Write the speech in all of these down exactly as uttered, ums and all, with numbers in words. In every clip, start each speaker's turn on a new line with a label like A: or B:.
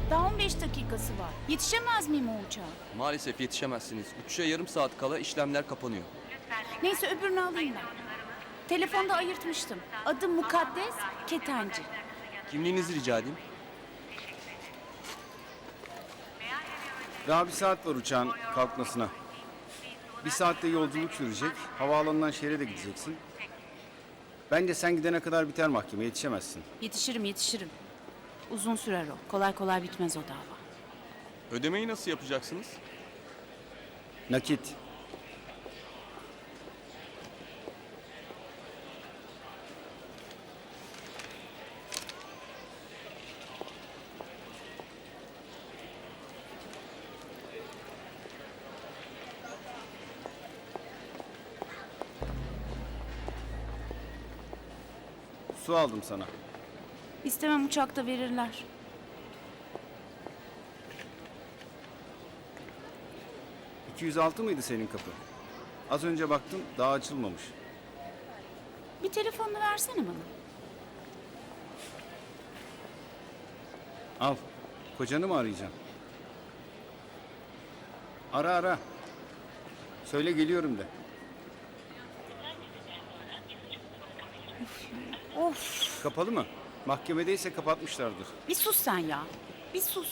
A: Daha on beş dakikası var. Yetişemez miyim o uçağa?
B: Maalesef yetişemezsiniz. Uçuşa yarım saat kala işlemler kapanıyor.
A: Neyse öbürünü alayım ben. Telefonda ayırtmıştım. Adı Mukaddes Ketenci.
B: Kimliğinizi rica edeyim.
C: Daha bir saat var uçağın kalkmasına. Bir saatte yolculuk sürecek. Havaalanından şehre de gideceksin. Bence sen gidene kadar biter mahkeme, yetişemezsin.
A: Yetişirim yetişirim. Uzun sürer o. Kolay kolay bitmez o dava.
B: Ödemeyi nasıl yapacaksınız?
C: Nakit. Su aldım sana.
A: İstemem, uçakta verirler.
C: iki yüz altı mıydı senin kapı? Az önce baktım, daha açılmamış.
A: Bir telefonunu versene bana.
C: Al. Kocanı mı arayacaksın? Ara ara. Söyle geliyorum de.
A: Of,
C: Kapalı mı? Mahkemedeyse kapatmışlardır.
A: bir sus sen ya. Bir sus.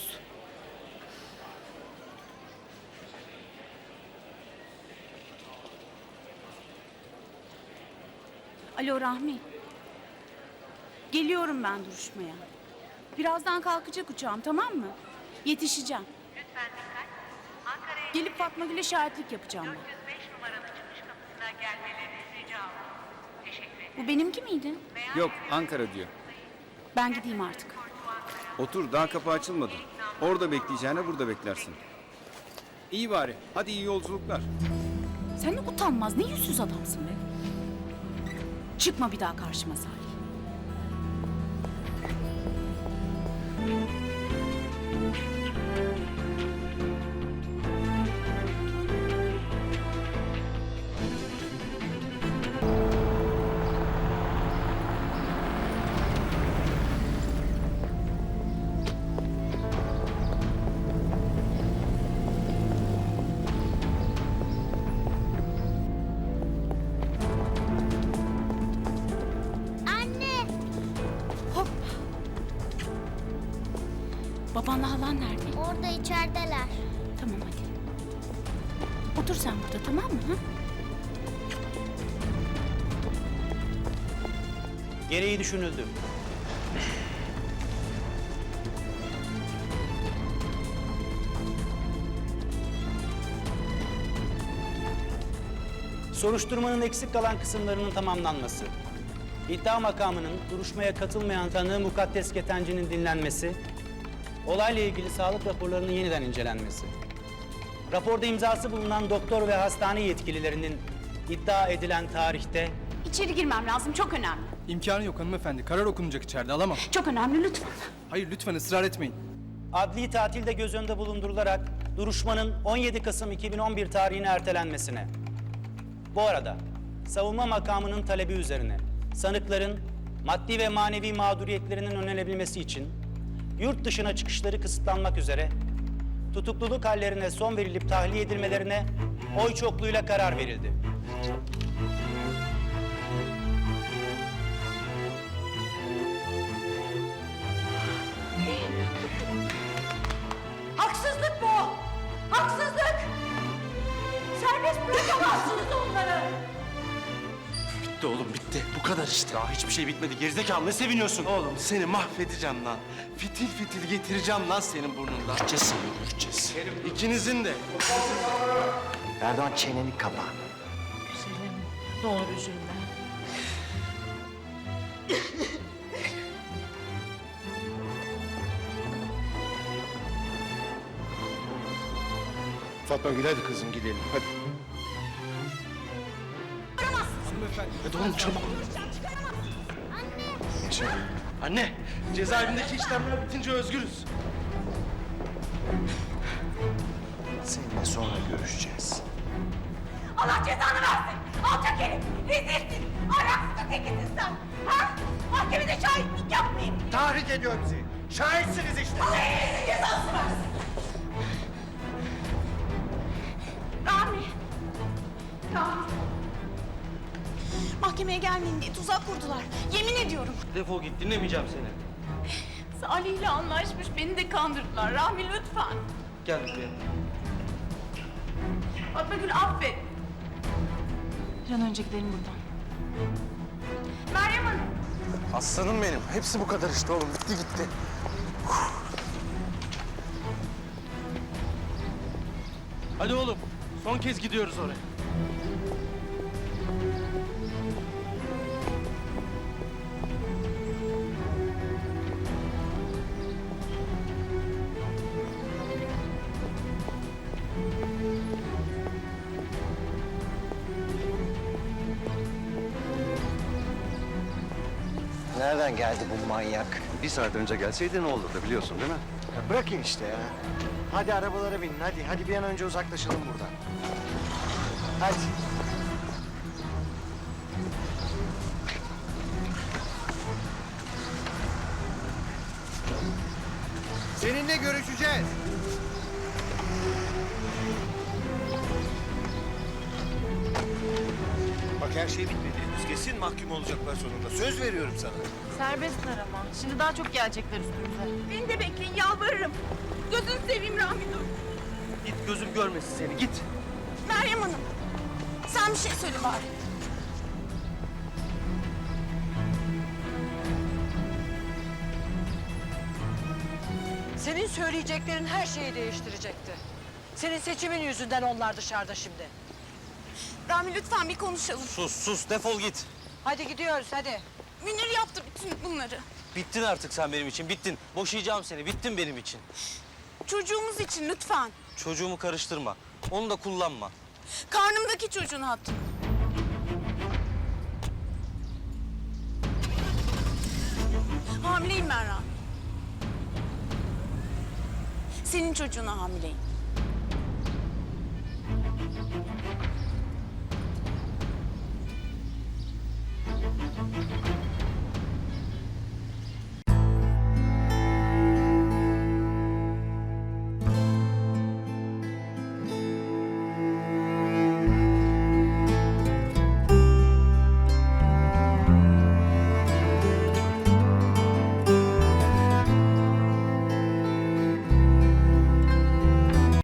A: Alo Rahmi. Geliyorum ben duruşmaya. Birazdan kalkacak uçağım, tamam mı? Yetişeceğim.
D: Lütfen dikkat. Ankara'ya
A: Gelip Fatma Gül'e şahitlik yapacağım ben.
D: dört yüz beş numaralı çıkış kapısına gelmelerinizi rica olunur. Teşekkür ederim.
A: Bu benimki miydi?
C: Yok, Ankara diyor.
A: Ben gideyim artık.
C: Otur, daha kapı açılmadı. Orada bekleyeceğine burada beklersin. İyi bari. Hadi iyi yolculuklar.
A: Sen ne utanmaz, ne yüzsüz adamsın be. Çıkma bir daha karşıma Salih. Hop. Babanla halan nerede?
E: Orada içerideler.
A: Tamam hadi. Otur sen burada, tamam mı? Ha?
F: Gereği düşünüldü. Soruşturmanın eksik kalan kısımlarının tamamlanması, iddia makamının duruşmaya katılmayan tanığı Mukaddes Ketenci'nin dinlenmesi, olayla ilgili sağlık raporlarının yeniden incelenmesi, raporda imzası bulunan doktor ve hastane yetkililerinin iddia edilen tarihte
A: İçeri girmem lazım, çok önemli.
G: İmkanı yok hanımefendi. Karar okunacak içeride, alamam.
A: Çok önemli, lütfen.
G: Hayır, lütfen ısrar etmeyin.
F: adli tatilde göz önünde bulundurularak duruşmanın on yedi Kasım iki bin on bir tarihine ertelenmesine. Bu arada savunma makamının talebi üzerine sanıkların maddi ve manevi mağduriyetlerinin önlenebilmesi için yurt dışına çıkışları kısıtlanmak üzere tutukluluk hallerine son verilip tahliye edilmelerine oy çokluğuyla karar verildi.
H: Haksızlık bu! Haksızlık! Serbest bırakamazsınız onları!
I: Bitti oğlum bitti. Bu kadar işte. Daha hiçbir şey bitmedi. Gerizekalı ne seviniyorsun? Oğlum seni mahvedeceğim lan. Fitil fitil getireceğim lan senin burnundan. Göreceğiz seni, göreceğiz. İkinizin de.
J: Erdoğan çeneni kapa.
H: Güzelim, ne olur üzülme.
I: Fatma Gül hadi kızım gidelim hadi.
G: Hanımefendi.
I: Hadi oğlum çabuk. Anne. Anne cezaevindeki işlemler bitince özgürüz.
J: Seninle sonra görüşeceğiz.
H: Allah cezanı versin! Alçak herif! Rezilsin! Ahlaksız tekisin sen! Ha? Mahkemede şahitlik yapmayayım!
I: Tahrik ediyor bizi. Şahitsiniz işte.
H: Allah hepinizin cezası
A: istemeye gelmeyin diye tuzak kurdular. Yemin ediyorum.
I: Defol git, dinlemeyeceğim seni.
A: Salih'le anlaşmış, beni de kandırdılar. Rahmi lütfen.
I: Gel buraya.
A: Fatma Gül affet.
H: Bir an önce gidelim buradan.
A: Meryem Hanım.
I: Aslanım benim. Hepsi bu kadar işte oğlum. Bitti gitti. Hadi oğlum. Son kez gidiyoruz oraya.
J: Nereden geldi bu manyak?
E: Bir saat önce gelseydi ne olurdu biliyorsun değil mi?
J: Ya bırakın işte ya. Hadi arabalara binin hadi. Hadi bir an önce uzaklaşalım buradan. Hadi.
C: Seninle görüşeceğiz.
E: Bak her şey bitmedi. Henüz kesin mahkum olacaklar sonunda. Söz veriyorum sana.
H: Serbestler ama. Şimdi daha çok gelecekler üstümüze.
A: Beni de bekleyin, yalvarırım. Gözünü seveyim Rahmi, dur.
I: Git gözüm görmesin seni. Git.
A: Meryem Hanım, sen bir şey söyle bari.
K: Senin söyleyeceklerin her şeyi değiştirecekti. Senin seçimin yüzünden onlar dışarıda şimdi.
A: Rahmi lütfen bir konuşalım.
I: Sus sus defol git.
K: Hadi gidiyoruz hadi.
A: Münir yaptı bütün bunları.
I: Bittin artık sen benim için. Bittin. Boşayacağım seni. Bittin benim için.
A: Çocuğumuz için lütfen.
I: Çocuğumu karıştırma. Onu da kullanma.
A: Karnımdaki çocuğun hattı. Hamileyim ben Rahmi. Senin çocuğuna hamileyim.